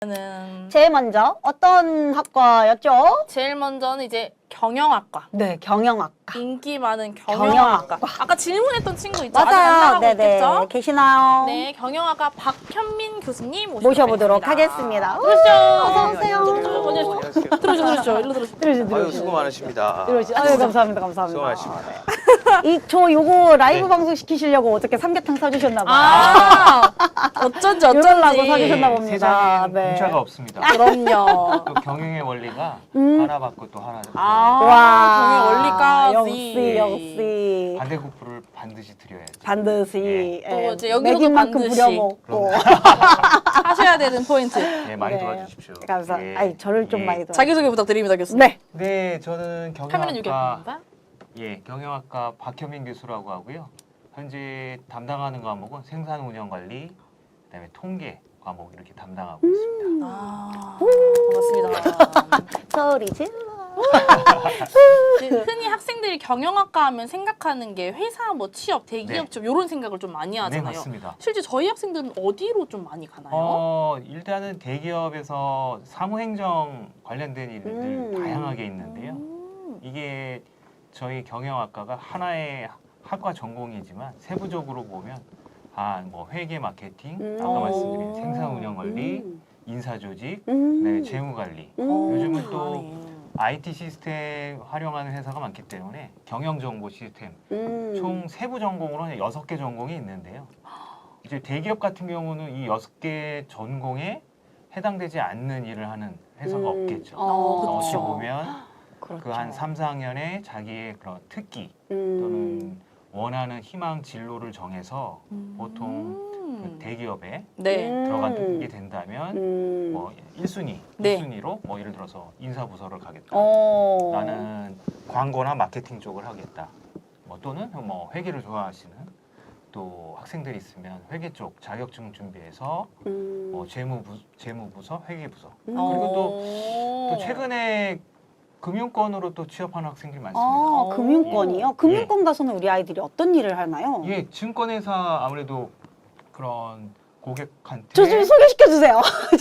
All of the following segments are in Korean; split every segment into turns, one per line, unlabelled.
제일 먼저 어떤 학과였죠?
제일 먼저는 이제 경영학과.
네, 경영학과.
인기 많은 경영학과. 아까 질문했던 친구 있죠? 아직 안
맞아요.
나가고
네네.
있겠죠?
계시나요?
네, 경영학과 박현민 교수님
모셔보도록 하겠습니다.
들으시죠.
어서 오세요.
들으시죠. 일로 들으시죠.
아유, 수고 많으십니다.
아유, 감사합니다. 감사합니다.
수고 많으십니다.
저 요거 라이브
네.
방송 시키시려고 어저께 삼계탕 사주셨나 봐요.
아, 어쩐지.
이러려고 사주셨나 봅니다.
세상엔
네.
공짜가 없습니다.
그럼요.
또 경영의 원리가 하나 받고 또 하나 받고
아, 경영 원리까지.
역시.
반대급부를 반드시 드려야죠.
반드시.
또
예,
이제 여기서도
먹인 만큼
반드시.
부려먹고.
하셔야 되는 포인트.
네, 많이
네.
도와주십시오.
감사합니다.
예.
아니, 저를 좀
예.
많이 도와주세요.
자기소개 부탁드립니다, 교수님.
네.
네, 저는
카메라
경영학과
유기입니다.
경영학과 박현민 교수라고 하고요. 현재 담당하는 과목은 생산운영관리, 그다음에 통계 과목 이렇게 담당하고 있습니다.
반갑습니다.
소리 질러.
흔히 학생들이 경영학과 하면 생각하는 게 회사, 뭐 취업, 대기업
네.
좀 이런 생각을 좀 많이
네,
하잖아요.
맞습니다.
실제 저희 학생들은 어디로 좀 많이 가나요?
일단은 대기업에서 사무행정 관련된 일들 다양하게 있는데요. 이게 저희 경영학과가 하나의 학과 전공이지만 세부적으로 보면 뭐 회계 마케팅, 아까 말씀드린 생산운영관리, 인사조직, 그다음에 재무관리. 요즘은 또
다양하네.
IT 시스템 활용하는 회사가 많기 때문에 경영정보 시스템 총 세부 전공으로 6개 전공이 있는데요. 이제 대기업 같은 경우는 이 6개 전공에 해당되지 않는 일을 하는 회사가 없겠죠. 어찌
그렇죠.
보면
그렇죠.
그 한 3, 4학년에 자기의 그런 특기 또는 원하는 희망 진로를 정해서 보통 그 대기업에
네.
들어가게 된다면 뭐 1순위,
네.
2순위로 뭐 예를 들어서 인사부서를 가겠다. 나는 광고나 마케팅 쪽을 하겠다. 뭐 또는 뭐 회계를 좋아하시는 또 학생들이 있으면 회계 쪽 자격증 준비해서 뭐 재무부서, 회계부서 그리고 또 최근에 금융권으로 또 취업하는 학생들이 많습니다.
금융권이요? 금융권 가서는 우리 아이들이 어떤 일을 하나요?
예, 증권회사 아무래도 그런 고객한테
저 좀 소개시켜 주세요.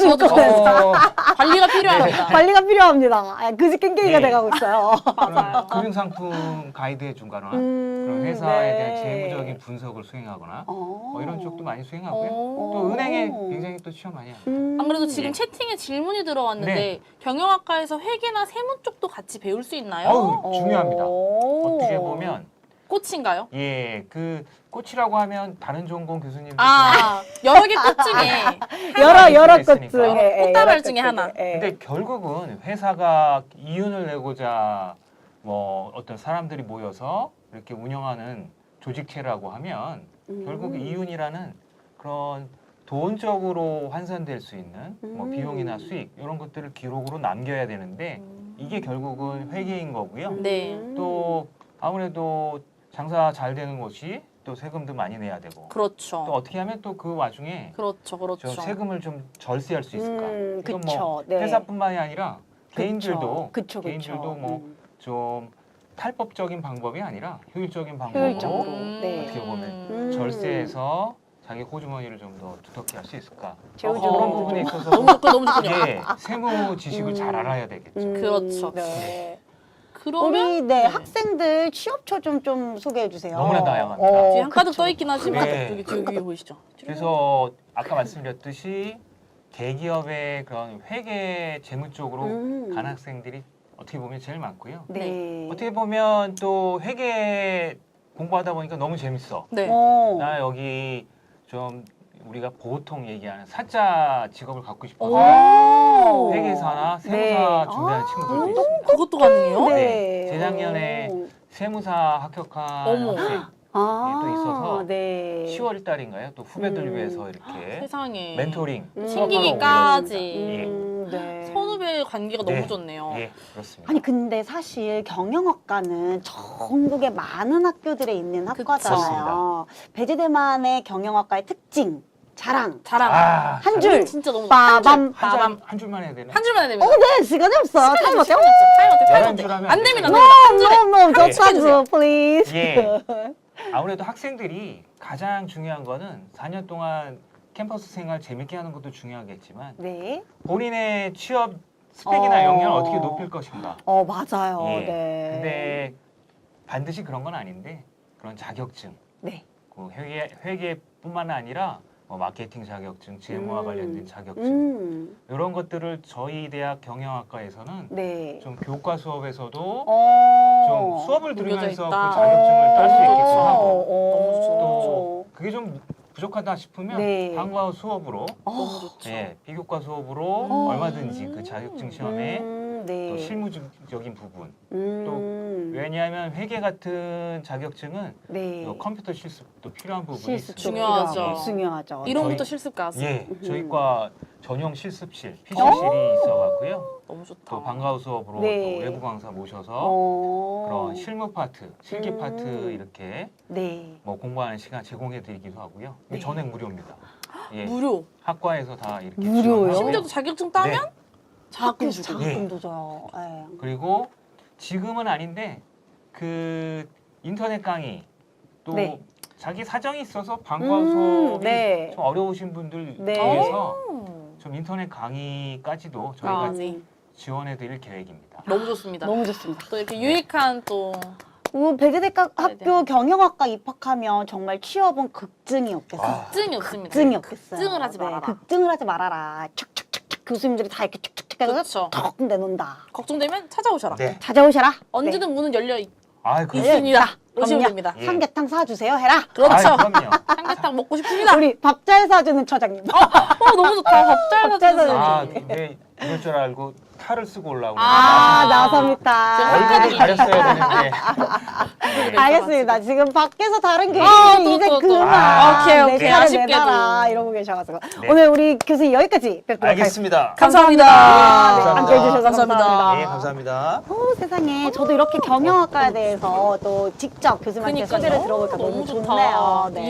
증권회사.
관리가 필요합니다.
관리가 필요합니다. 그지 깽깽이가
네.
돼가고 있어요.
맞아요.
금융상품 가이드해 준거나 그런 회사에 대한
네.
재무적인 분석을 수행하거나 뭐 이런 쪽도 많이 수행하고요.
오.
또 은행에 굉장히 또 취업 많이 합니다.
안 그래도 지금
예.
채팅에 질문이 들어왔는데
네.
경영학과에서 회계나 세무 쪽도 같이 배울 수 있나요?
어우, 중요합니다. 어떻게 보면
꽃인가요?
그 꽃이라고 하면 다른 전공 교수님들
여러 개 꽃 중에
여러 것
있으니까.
중에
꽃다발
여러
중에
것
하나.
근데 결국은 회사가 이윤을 내고자 뭐 어떤 사람들이 모여서 이렇게 운영하는 조직체라고 하면 결국 이윤이라는 그런 돈적으로 환산될 수 있는 뭐 비용이나 수익 이런 것들을 기록으로 남겨야 되는데 이게 결국은 회계인 거고요.
네.
또 아무래도 장사 잘 되는 곳이 또 세금도 많이 내야 되고
그렇죠.
또 어떻게 하면 또 그 와중에
그렇죠.
저 세금을 좀 절세할 수 있을까? 이건
그쵸.
뭐
네.
회사뿐만이 아니라 개인들도
그쵸.
개인들도 뭐 좀 탈법적인 방법이 아니라 효율적인 방법으로
효율적으로. 네.
어떻게 보면 절세해서 자기 호주머니를 좀 더 두텁게 할 수 있을까?
재우주고.
그런 부분에 있어서
너무 좋군요.
예, 세무 지식을 잘 알아야 되겠죠.
그렇죠.
네.
그러면
우리 학생들 취업처 좀 소개해 주세요.
너무나 다양합니다.
뒤에 한 가득
그쵸.
떠 있긴 하지만
네.
여기 보이시죠?
그래서 아까 말씀드렸듯이 대기업의 그런 회계 재무 쪽으로 간 학생들이 어떻게 보면 제일 많고요.
네.
어떻게 보면 또 회계 공부하다 보니까 너무 재밌어.
네.
나 여기 좀 우리가 보통 얘기하는 사자 직업을 갖고 싶어서
오.
회계사나 세무사
네.
준비하는 친구들도 있습니다.
그것도 가능해요?
네. 재작년에 세무사 합격한
어머.
학생 또 있어서
네.
10월 달인가요? 또 후배들 위해서 이렇게
세상에.
멘토링
챙기기까지.
네.
선후배 관계가
네.
너무 좋네요.
예, 그렇습니다.
아니 근데 사실 경영학과는 전국에 많은 학교들에 있는 학과잖아요. 배재대만의 경영학과의 특징, 자랑
자랑.
한 줄.
진짜 너무
빠밤.
한 줄만 해야 되나?
한 줄만 해야 됩니다.
네, 시간이 없어. 타임 어때?
타임
11줄
어때?
하면
안 됩니다.
되죠.
한 줄에.
너무
네.
저차주 플리즈.
예. 아무래도 학생들이 가장 중요한 거는 4년 동안 캠퍼스 생활 재밌게 하는 것도 중요하겠지만
네.
본인의 취업 스펙이나 역량을 어떻게 높일 것인가.
맞아요.
예.
네.
근데 반드시 그런 건 아닌데 그런 자격증,
네.
그 회계뿐만 아니라 뭐 마케팅 자격증, 재무와 관련된 자격증 이런 것들을 저희 대학 경영학과에서는
네.
좀 교과 수업에서도
어.
좀 수업을
녹여져
들으면서 그
있다.
자격증을 딸 수
너무
있게끔
좋죠.
하고
너무 좋죠.
또 그게 좀 부족하다 싶으면
네.
방과 수업으로
너무 좋죠.
예, 비교과 수업으로 얼마든지 그 자격증 시험에
네.
또 실무적인 부분
또
왜냐하면 회계 같은 자격증은
네.
또 컴퓨터 실습도 필요한 부분이
실습
있습니다.
중요하죠.
필요하고, 중요하죠.
이론부터
저희-
실습까지.
예, 저희과 전용 실습실, PC실이 있어갖고요.
너무 좋다.
또 방과 후 수업으로
네.
또 외부 강사 모셔서 그런 실무 파트, 실기 파트 이렇게
네.
뭐 공부하는 시간 제공해드리기도 하고요. 이게
네.
전액 무료입니다. 예,
무료.
학과에서 다 이렇게
무료예요?
지원하고요.
심지어 자격증 따면
네.
자금 주고.
자금도 줘요. 네.
그리고 지금은 아닌데 그 인터넷 강의 또
네.
자기 사정이 있어서 방과 후 수업이
네.
좀 어려우신 분들
네.
위해서 좀 인터넷 강의까지도 저희가
아, 네.
지원해드릴 계획입니다.
너무 좋습니다.
너무 좋습니다.
또 이렇게 유익한 또
백여대학
네,
학교 경영학과 입학하면 정말 취업은 극증이 없겠어요.
극증이 없습니다.
극증이 없겠어요.
극증을 하지 말아라.
극증을 하지 말아라. 척척척척 교수님들이 다 이렇게 척척척 해서
그렇죠.
턱 내놓는다.
걱정되면 찾아오셔라.
네.
찾아오셔라.
언제든 문은 열려 있,
아, 그
있습니다. 오시면
그럼요.
됩니다.
예.
삼계탕 사주세요. 해라.
그렇죠.
아, 그럼요.
삼계탕 먹고 싶습니다.
우리 밥 잘 사주는 처장님.
너무 좋다. 밥잘
밥잘
사주는
사주는
아, 근데 이럴 줄 알고 탈을 쓰고 올라오고.
나섭니다.
얼굴을 가렸어야 되는데.
알겠습니다. 지금 밖에서 다른 교수님
또,
이제
또, 또.
그만.
아,
오케이,
내
오케이.
차례
아쉽게도.
내놔라 이러고 계셔가지고
네.
오늘 우리 교수님 여기까지 뵙도록 하겠습니다.
알겠습니다.
감사합니다.
네,
감사합니다.
함께해 주셔서 감사합니다.
네, 감사합니다.
세상에 저도 이렇게 경영학과에 대해서 또 직접 교수님한테
그러니까요.
소개를 들어보니까 너무
너무 좋다.
좋네요. 네.